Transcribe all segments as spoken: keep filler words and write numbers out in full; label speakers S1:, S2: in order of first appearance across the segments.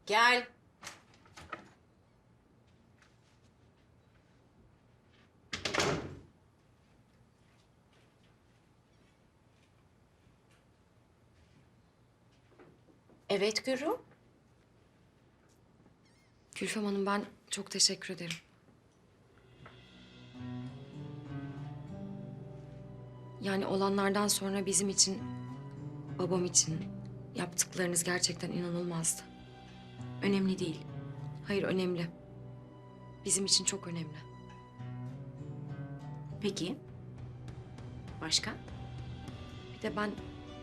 S1: Gel. Evet Gürü.
S2: Gülfem Hanım, ben çok teşekkür ederim. Yani olanlardan sonra bizim için, babam için yaptıklarınız gerçekten inanılmazdı.
S1: Önemli değil.
S2: Hayır, önemli. Bizim için çok önemli.
S1: Peki. Başka?
S2: Bir de ben...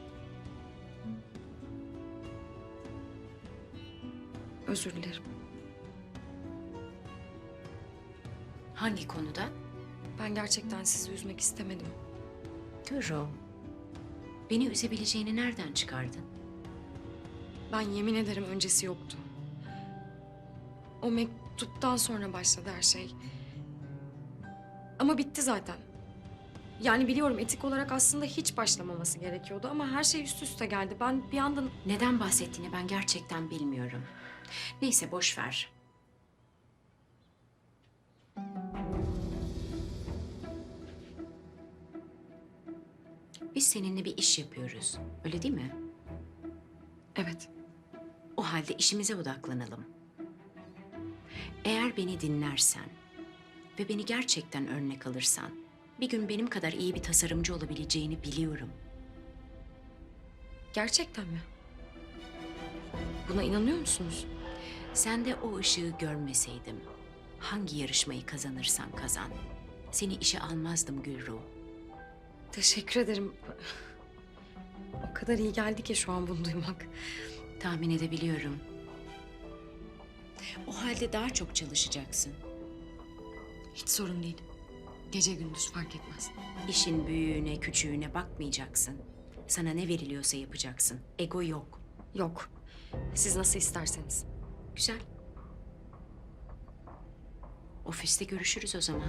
S2: Özür dilerim.
S1: Hangi konuda?
S2: Ben gerçekten sizi üzmek istemedim.
S1: Gürü. Beni üzebileceğini nereden çıkardın?
S2: Ben yemin ederim öncesi yoktu. O mektuptan sonra başladı her şey. Ama bitti zaten. Yani biliyorum, etik olarak aslında hiç başlamaması gerekiyordu ama her şey üst üste geldi. Ben bir anda...
S1: Neden bahsettiğini ben gerçekten bilmiyorum. Neyse boş ver. Biz seninle bir iş yapıyoruz. Öyle değil mi?
S2: Evet.
S1: O halde işimize odaklanalım. Eğer beni dinlersen ve beni gerçekten örnek alırsan, bir gün benim kadar iyi bir tasarımcı olabileceğini biliyorum.
S2: Gerçekten mi? Buna inanıyor musunuz?
S1: Sen de o ışığı görmeseydim, hangi yarışmayı kazanırsan kazan, seni işe almazdım Gülru.
S2: Teşekkür ederim. O kadar iyi geldi ki şu an bunu duymak.
S1: Tahmin edebiliyorum. O halde daha çok çalışacaksın.
S2: Hiç sorun değil. Gece gündüz fark etmez.
S1: İşin büyüğüne, küçüğüne bakmayacaksın. Sana ne veriliyorsa yapacaksın. Ego yok.
S2: Yok. Siz nasıl isterseniz.
S1: Güzel. Ofiste görüşürüz o zaman.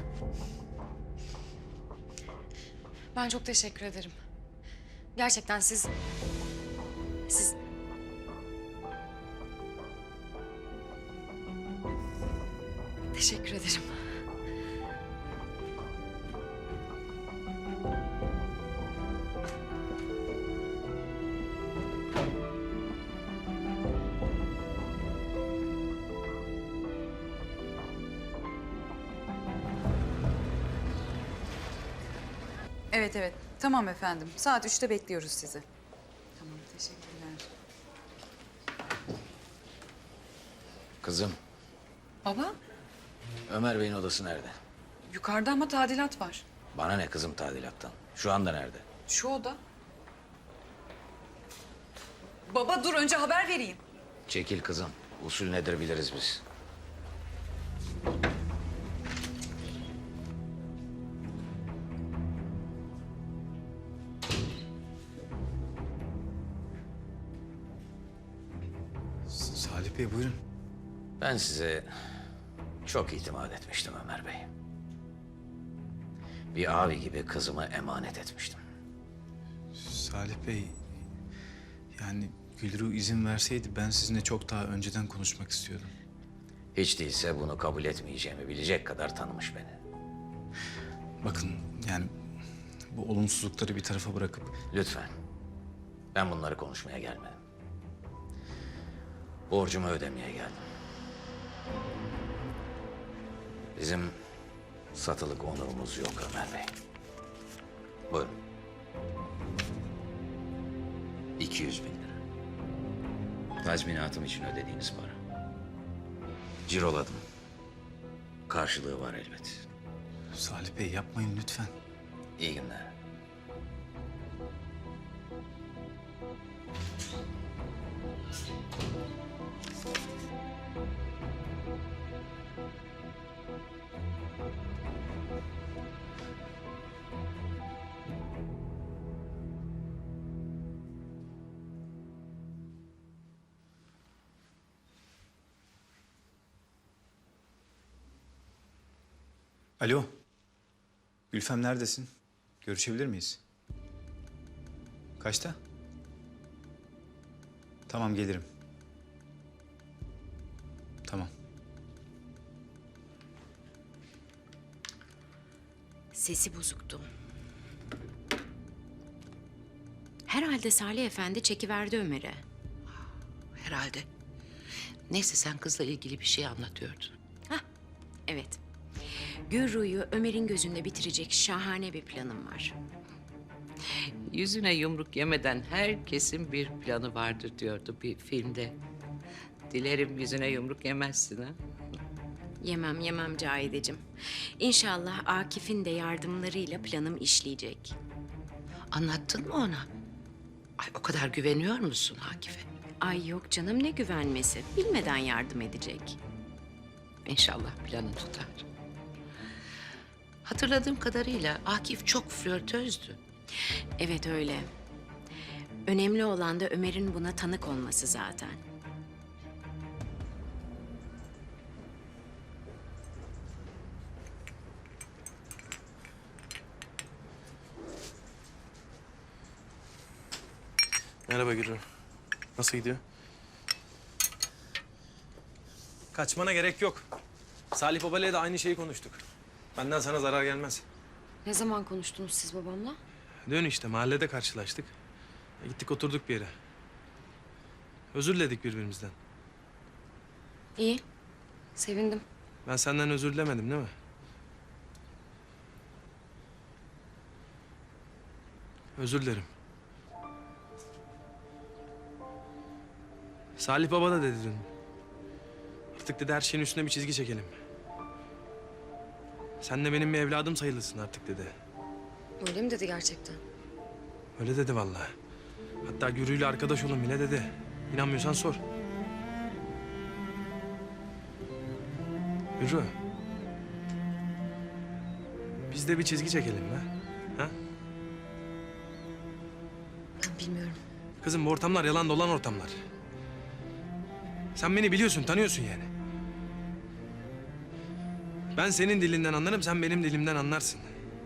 S2: Ben çok teşekkür ederim. Gerçekten siz... Siz... Teşekkür ederim.
S3: Evet evet. Tamam efendim. Saat üçte bekliyoruz sizi. Tamam, teşekkürler.
S4: Kızım,
S3: Baba,
S4: Ömer Bey'in odası nerede?
S3: yukarıda ama tadilat var.
S4: Bana ne kızım tadilattan? Şu anda nerede?
S3: Şu oda. Baba dur, önce haber vereyim.
S4: Çekil kızım. Usul nedir biliriz biz.
S5: Salih Bey buyurun.
S4: Ben size çok itimat etmiştim Ömer Bey. Bir abi gibi kızımı emanet etmiştim.
S5: Salih Bey, yani Gülru izin verseydi ben sizinle çok daha önceden konuşmak istiyordum.
S4: Hiç değilse bunu kabul etmeyeceğimi bilecek kadar tanımış beni.
S5: Bakın yani bu olumsuzlukları bir tarafa bırakıp
S4: Lütfen. Ben bunları konuşmaya gelmedim. Borcumu ödemeye geldim. Bizim satılık onurumuz yok Ömer Bey. Buyurun. iki yüz bin lira. Tazminatım için ödediğiniz para. Ciroladım. Karşılığı var elbet.
S5: Salih Bey yapmayın lütfen.
S4: İyi günler.
S5: Alo. Gülfem neredesin? Görüşebilir miyiz? Kaçta? Tamam gelirim. Tamam.
S1: Sesi bozuktu. Herhalde Salih Efendi çekiverdi Ömer'e.
S6: Herhalde. Neyse sen kızla ilgili bir şey anlatıyordun.
S1: Hah, evet. Gürru'yu Ömer'in gözünde bitirecek şahane bir planım var.
S6: Yüzüne yumruk yemeden herkesin bir planı vardır diyordu bir filmde. Dilerim yüzüne yumruk yemezsin ha.
S1: Yemem yemem Cahideciğim. İnşallah Akif'in de yardımlarıyla planım işleyecek.
S6: Anlattın mı ona? Ay o kadar güveniyor musun Akif'e?
S1: Ay yok canım, ne güvenmesi. Bilmeden yardım edecek.
S6: İnşallah planı tutar. Hatırladığım kadarıyla Akif çok flörtözdü.
S1: Evet öyle. Önemli olan da Ömer'in buna tanık olması zaten.
S7: Merhaba Gürü. Nasıl gidiyor? Kaçmana gerek yok. Salih Baba'yla da aynı şeyi konuştuk. Benden sana zarar gelmez.
S2: Ne zaman konuştunuz siz babamla?
S7: Dön işte mahallede karşılaştık. E, Gittik oturduk bir yere. Özür diledik birbirimizden.
S2: İyi. Sevindim.
S7: Ben senden özür dilemedim değil mi? Özür dilerim. Salih Baba da dedi dün. Artık dedi her şeyin üstüne bir çizgi çekelim. Sen de benim bir evladım sayılırsın artık dedi.
S2: Öyle mi dedi gerçekten?
S7: Öyle dedi vallahi. Hatta Gürü'yle arkadaş olun bile dedi. İnanmıyorsan sor. Gürü. Biz de bir çizgi çekelim be. Ha?
S2: Ben bilmiyorum.
S7: Kızım bu ortamlar yalan dolan ortamlar. Sen beni biliyorsun, tanıyorsun yani. Ben senin dilinden anlarım, sen benim dilimden anlarsın.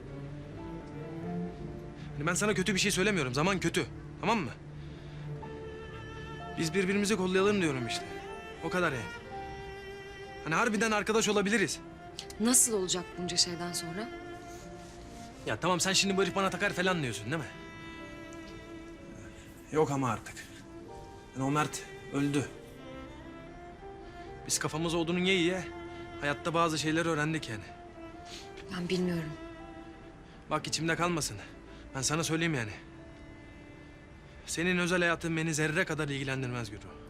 S7: Hani ben sana kötü bir şey söylemiyorum, zaman kötü. Tamam mı? Biz birbirimizi kollayalım diyorum işte. O kadar yani. Hani harbiden arkadaş olabiliriz.
S2: Nasıl olacak bunca şeyden sonra?
S7: Ya tamam sen şimdi bu herif bana takar falan diyorsun değil mi? Yok ama artık. Yani o Mert öldü. Biz kafamız odunun ye ye hayatta bazı şeyleri öğrendik yani.
S2: Ben bilmiyorum.
S7: Bak içimde kalmasın. Ben sana söyleyeyim yani. Senin özel hayatın beni zerre kadar ilgilendirmez Gürü.